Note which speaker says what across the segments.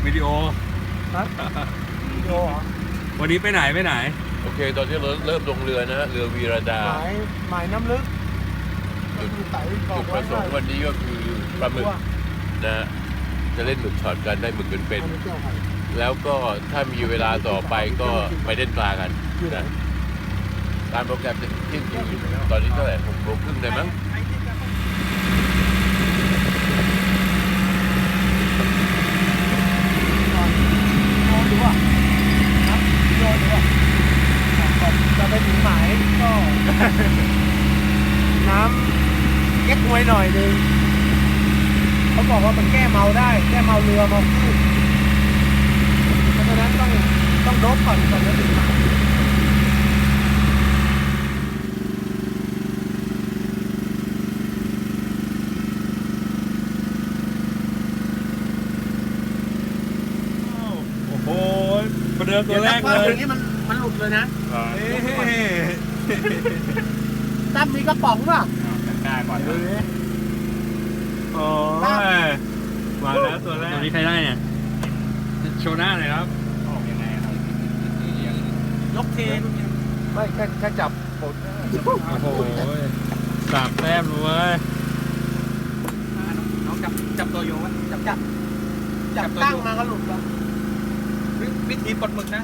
Speaker 1: วิดีโอ
Speaker 2: ครับวิดีโอเหรอ
Speaker 1: วันนี้ไปไหน
Speaker 3: โอเคตอนที่เราเริ่มลงเรือนะฮะเรือวีรดา
Speaker 2: หมายน้ำลึกก็คือไต่ก่อ
Speaker 3: จุ
Speaker 2: น
Speaker 3: ดประสงค์วันนี้ก็คือปลาหมึกนะฮะจะเล่นหมึกช็อตกันได้หมึกเป็นๆแล้วก็ถ้ามีเวลาต่อไปก็ไปเล่นปลากันนะตามโปรแกรมจะเที่ยงคืนตอนนี้เท่าไหร่6:30ได้มั้ง
Speaker 2: โดนดูว่าครับโดนดูว่าก่อนจะไปถึงหมายก็ น้ำเก๊กฮวยหน่อยนึงเขาบอกว่ามันแก้เมาได้แก้เมาเรือเมาคลื่นเพราะฉะนั้นต้องโดบก่อนจะถึงหมาย
Speaker 1: โอ้โหประเดิมตัวแรกเลย
Speaker 2: อย่างนี้มันหลุดเลยนะ
Speaker 1: เอ๊ะ
Speaker 2: ตั้มมีกระป๋องป่ะ
Speaker 1: กล้าก่อนโอ้ยมาแล้วตัวแรกตัวนี้ใครได้เนี่ยโชว์หน้าหน่อยครับออกยังไงครับ
Speaker 2: ยกเทไม่แค่จับปด
Speaker 1: โอ้โห3 แต้มเลย
Speaker 4: น้องจับตัวโยงไว้จับ
Speaker 2: ตั้งมาก็หลุดแล้ว
Speaker 4: วิธีปลดหมึกนะ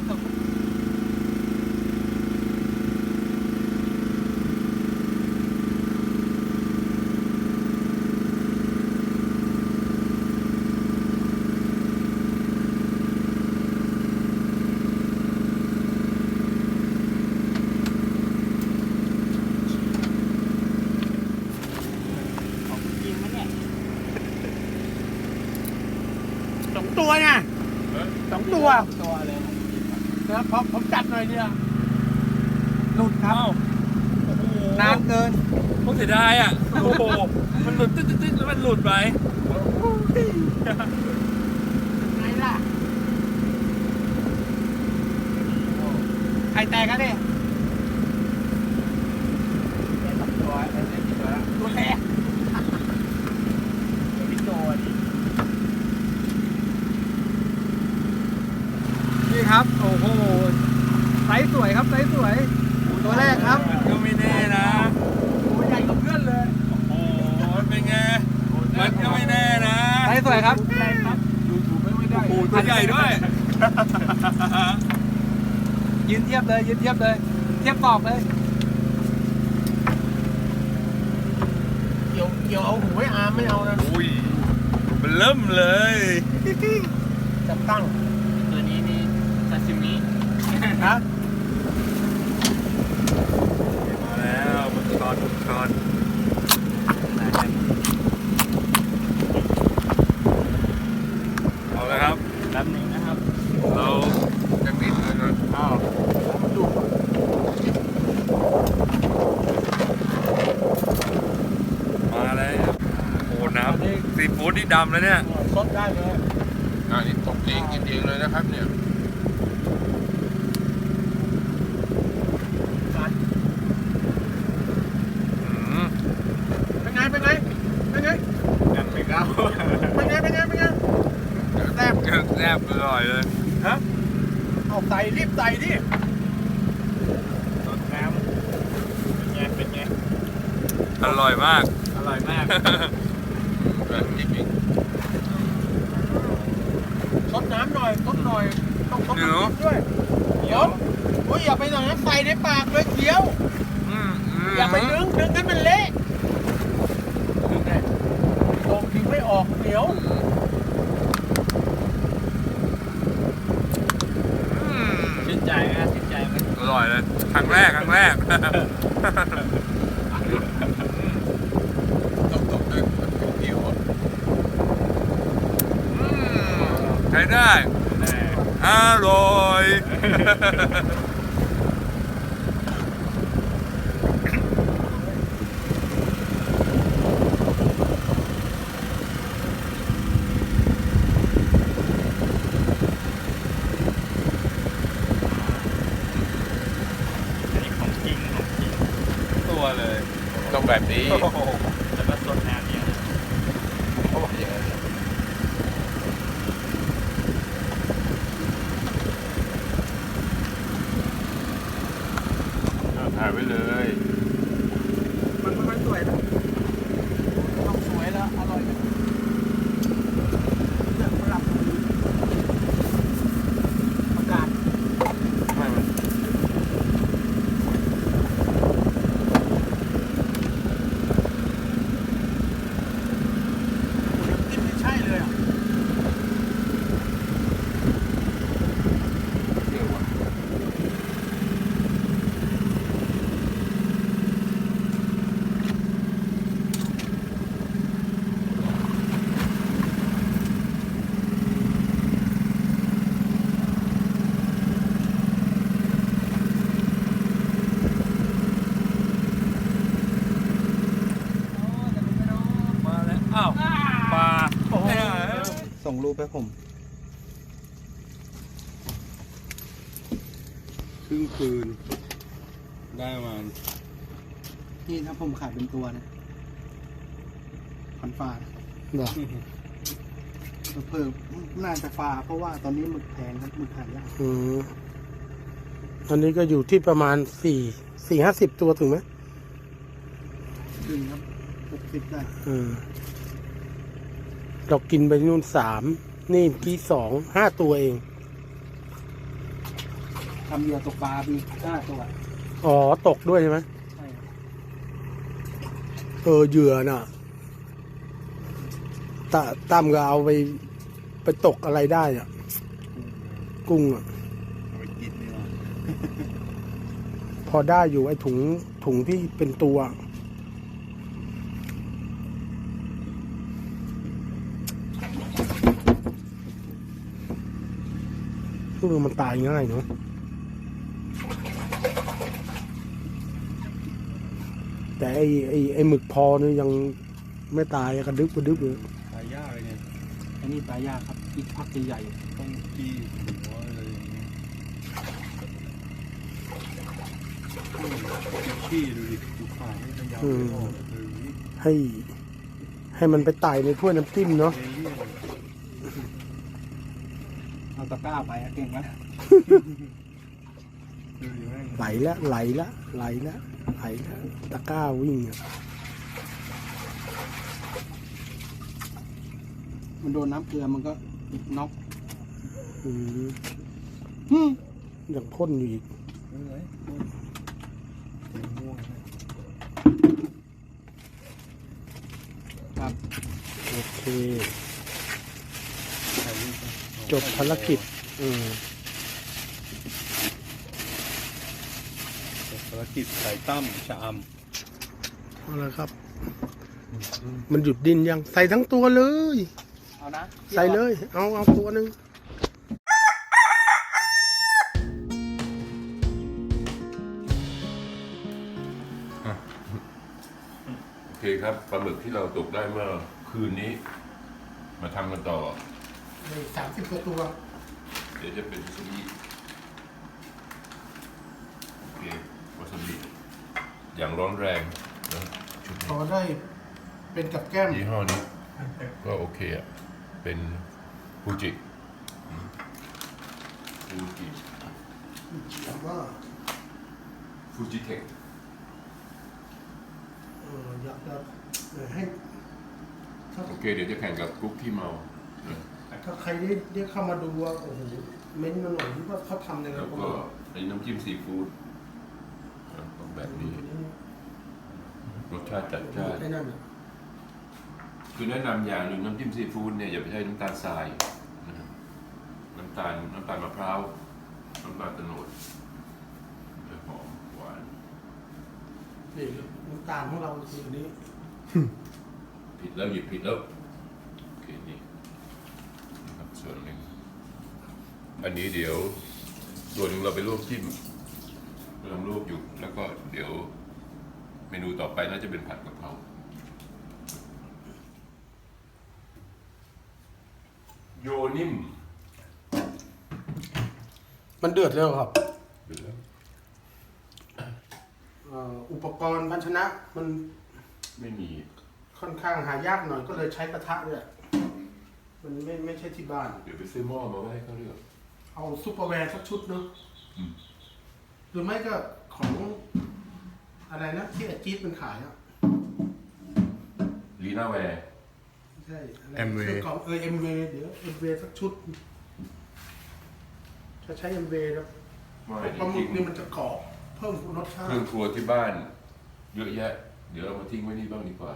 Speaker 2: 2 ตัวเนี่ย2 ตัวเลยนะผมจับหน่อยเดียวหลุดครับ
Speaker 4: นานเกิน
Speaker 1: พวกเสียดายอ่ะโอ้โหมันหลุดตึ๊ดแล้วมันหลุดไป
Speaker 2: ไงล่ะ
Speaker 4: ใครแตกกันเนี่ย
Speaker 2: ตัวแรกนี่ครับโอ้โหไซส์สวยครับไซส์สวยตัวแรกครับ
Speaker 1: มันก็ไม่แน่นะ
Speaker 2: ตัวใหญ่กว่าเพื่อนเลย
Speaker 1: โอ้โหเป็นไงมันก็ไม่แน่นะ
Speaker 2: ไซส์สวยครับ
Speaker 1: โอ้โหตัวใหญ่ด้วย
Speaker 2: ยืนเทียบเลยเทียบกรอบเลยเกี่ยวเอาหูให้อาร์มไม่เอานะ
Speaker 1: อุ้ยมันเริ่มเลย
Speaker 2: จับตั้ง
Speaker 4: ตัวนี้นี่ซาซิมิ
Speaker 2: ฮะ
Speaker 1: มาแล้วมันช็อตเอาละครับ
Speaker 4: แป๊บนึงนะครับ
Speaker 1: เรา
Speaker 3: จะมิดเลยนะ
Speaker 1: อ้าว
Speaker 2: มันดุ
Speaker 1: มาแล้วโอ้โหน้ำซีฟู้ดนี่ดำแล้วเนี่ย
Speaker 2: ซดได้เลย
Speaker 3: อันนี้ตกเองกินเองเลยนะครับเนี่ย
Speaker 1: อืม
Speaker 2: เป็นไง
Speaker 1: ยังไม่เข้า
Speaker 2: แซ่บ
Speaker 1: แซ่บอร่อยเลย
Speaker 2: ฮะเอาใส่รีบใส่ดิ
Speaker 1: สดน้ำเป็นไงอร่อยมาก
Speaker 3: แบบจริง
Speaker 2: ซดน้ำหน่อยต้องซด
Speaker 1: เดี๋ยว
Speaker 2: น้ำด้วยเดี๋ยวโอ้ยอย่าไปหน่อยนะใส่ในปากเลยเคี้ยว อย่าไปดึงให้มันเละโดมดึงไม่ออกเหนียว
Speaker 4: ชื่นใจนะชื่นใจไหม
Speaker 1: อร่อยเลยครั้งแรก
Speaker 3: ๆต้องตกด้วยมันเป็นเดียว
Speaker 1: ใช้ได้อร่อย ตัวเลย
Speaker 3: ต้องแบบนี้
Speaker 1: โอ้โห
Speaker 4: แล้วก็สดน้ำเนี่ย
Speaker 3: เขาบอกอย่างนั้น
Speaker 2: รูปให้ผม
Speaker 1: ครึ่งคืน ได้ประมาณ
Speaker 2: นี่ถ้าผมขายเป็นตัวนะ1,000 ฟานะเหรอเพิ่มน่าจะฟาเพราะว่าตอนนี้หมึกแพงครับหมึกหายาก
Speaker 5: อันนี้ก็อยู่ที่ประมาณ450 ตัวถึงไหม
Speaker 2: ขึ้นครับ60ได้
Speaker 5: เรากินไปนู่น3นี่ที่5 ตัวเอง
Speaker 2: ทำเหยื่อตกปลาปี5 ตัว
Speaker 5: อ๋อ ตกด้วยใช่ไหม
Speaker 2: ใช่ครับ
Speaker 5: เหยื่อน่ะตั้มก็เอาไปตกอะไรได้อ่ะ กุ้งอ่ะ
Speaker 1: เอาไปกินดีกว่า
Speaker 5: พอได้อยู่ไอ้ถุงที่เป็นตัวมันตายง่ายเนาะแต่ไอ้หมึกพอเนี่ยยังไม่ตายกระดึบเลย
Speaker 1: ตายยากเลยเนี่ย
Speaker 2: อันนี้ปลายากครับอีกพักใหญ่
Speaker 1: ต้องจี้หัวอะไรอย่างเงี้ยขี้ดูดิดูขาไม่พยายามไม่ออกเลย
Speaker 5: ให้มันไปไต่ในถ้วยน้ำจิ้มเนาะ
Speaker 1: เยี่ย
Speaker 2: ๆเอาตะกร้าไปเก่งไหม
Speaker 1: ดูดิแม่ง
Speaker 5: ไหลละตะกร้าวิ่งอะ
Speaker 2: มันโดนน้ำเกลือมันก็น็อก
Speaker 5: ยังพ่นอยู่อีก
Speaker 1: ไม่เป็นไรเต็มม่วงเลย
Speaker 2: ครับ
Speaker 5: โอเค
Speaker 1: ถ่ายรูปไป
Speaker 5: จบภารกิจ
Speaker 1: จบภารกิจไก่ตั้มชะอ
Speaker 5: เอาละครับ มันหยุดดิ้นยังใส่ทั้งตัวเลย
Speaker 2: เอานะ
Speaker 5: ใส่เลย เอาตัวหนึ่ง
Speaker 3: โอเคครับปลาหมึกที่เราตกได้เมื่อคืนนี้ มาทำกันต่อ
Speaker 5: 30 ตัว
Speaker 3: เดี๋ยวจะเป็นวาซาบิโอเควาซาบิอย่างร้อนแรงนะชุด
Speaker 5: พอ
Speaker 3: นี้
Speaker 5: ได้เป็นกับแก้ม
Speaker 3: ยี่ห้อนี้ก็โอเคอ่ะ เป็นฟูจิ
Speaker 5: ว่า
Speaker 3: ฟูจิเทค
Speaker 5: อยากจะให้
Speaker 3: โอเค เดี๋ยวจะแข่งกับกรุ๊ปที่เมานะ
Speaker 5: ถ้าใครได้เข้ามาดูว่าโอ้โหเม้นต์มาหน่อยว่าเขาทำยังไง
Speaker 3: แล้วก็ไอ้น้ำจิ้มซีฟู้ดนะต้องแบบนี้ รสชาติจัดจ้าน
Speaker 5: ไอ้นั่นอ่ะ
Speaker 3: คือแนะนำอย่างหนึ่งน้ำจิ้มซีฟู้ดเนี่ยอย่าไปใช้น้ำตาลทรายนะครับน้ำตาลมะพร้าวน้ำตาลโตนดจะหอมหวาน
Speaker 5: นี่น้ำตาลของเราคืออันนี้
Speaker 3: ผิดแล้วหยิบผิดแล้วโอเคนี่นะครับส่วนหนึ่งอันนี้เดี๋ยวส่วนหนึ่งเราไปลวกจิ้มกำลังลวกอยู่แล้วก็เดี๋ยวเมนูต่อไปน่าจะเป็นผัดกะเพราโยนิ่ม
Speaker 5: มันเดือดแล้วครับ
Speaker 3: หรือ
Speaker 5: อุปกรณ์ภาชนะมัน
Speaker 3: ไม่มี
Speaker 5: ค่อนข้างหายากหน่อยก็เลยใช้กระทะด้วยมันไม่ใช่ที่บ้าน
Speaker 3: เดี๋ยวไปซื้อหม้อมาไว้ให้เขาเลือก
Speaker 5: เอาซุปเปอร์แวร์สักชุดเนาะ
Speaker 3: อืม
Speaker 5: หรือไม่ก็ของอะไรนะที่อาจี๊ดมันขายอ่ะ
Speaker 3: ลีน่าแวร์
Speaker 5: ไม่ใช่อะไร
Speaker 1: MV
Speaker 5: ครื่องของMV เดี๋ยว MV สักชุดถ้าใช้ MV แล้ว
Speaker 3: ไม่
Speaker 5: ปลาหมึ
Speaker 3: ทิ้
Speaker 5: ก
Speaker 3: ง
Speaker 5: นี่มันจะกรอบเพิ่มรสชา
Speaker 3: เค
Speaker 5: ติ
Speaker 3: รื่องครัวที่บ้านเยอะแยะ เดี๋ยวเรามาทิ้งไว้นี่บ้างดีกว่า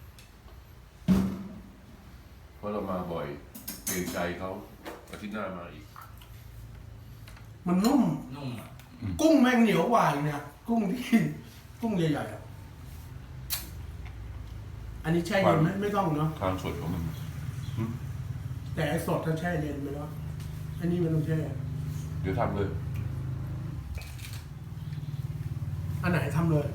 Speaker 3: เพราะเรามาบ่อยเกรงใจเขาอาทิตย์หน้ามาอีก
Speaker 5: มันนุ่ม
Speaker 4: นุ่มอ่ะ
Speaker 5: กุ้งแม่งเหนียวกว่าอีกเนี่ยกุ้งที่กุ้งใหญ่ๆอ่ะอันนี้แช่เย็นไหมไม่ต้องเนาะ
Speaker 3: ความสดของมัน
Speaker 5: แต่ไอ้สดถ้าแช่เย็นไปแล้วอันนี้มันต้องแช่
Speaker 3: เดี๋ยวทำเลย
Speaker 5: อันไหนทำเลย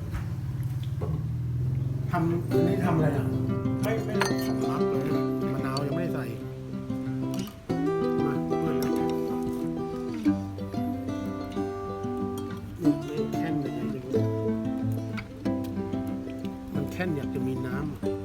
Speaker 5: ทำอันนี้ทำอะไรอ่ะไม่ต้องทำน้ำเลยมะนาวยังไม่ได้ใส่แค่นอยากจะมีน้ำ